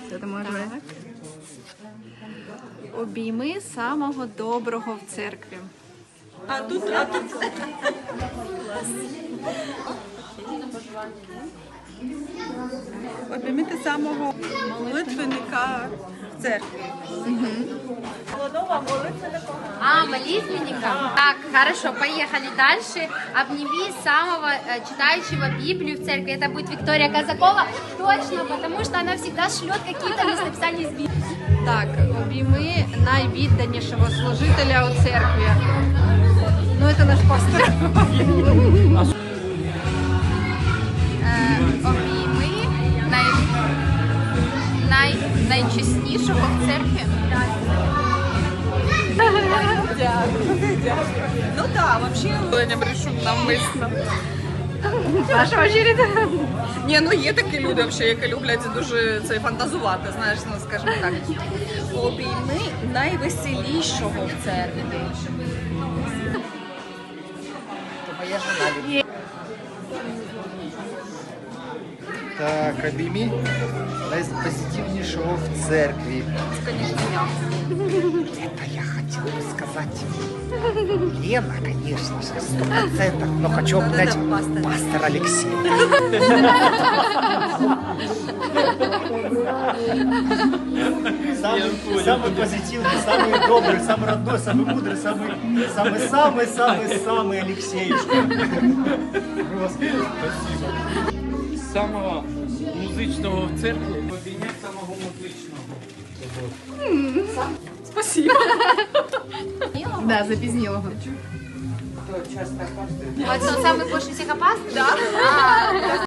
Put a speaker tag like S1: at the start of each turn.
S1: Все, ти можеш брати. Обійми самого доброго в церкві.
S2: А тут... Обіймити самого молитвенника в церкві. Молодого молитвенника.
S3: А, молитвенника? Так, хорошо, поехали дальше. Обними самого читающего Библию в церкви. Это будет Виктория Казакова. Точно, потому что она всегда шлет какие-то местописания из Библии.
S1: Так, обійми найвідданішого служителя у церкві. Ну, це наш пастор.
S3: Обійми найчеснішого в церкві.
S2: Ну да, вообще... Я не брешу навмисно.
S1: Ваша очередь.
S2: Ні, ну є такі люди, які люблять дуже це фантазувати, знаєш, ну скажімо так. Обійми найвеселішого в церкві.
S4: Так, обійми найпозитивнішого в церкві.
S2: Це, звісно, я.
S4: Это я хотел бы сказать. Лена, конечно же, 100%, но хочу обнять
S2: пастор.
S4: пастор Алексей. Самый позитивный, самый добрый, самый родной, самый мудрый, самый Алексеюшка. Спасибо.
S5: Самого музичного в церкві обійняти самого музичного.
S2: Спасибо.
S1: Да, запізнілого.
S3: Вот он самый больше всех опасный? Да.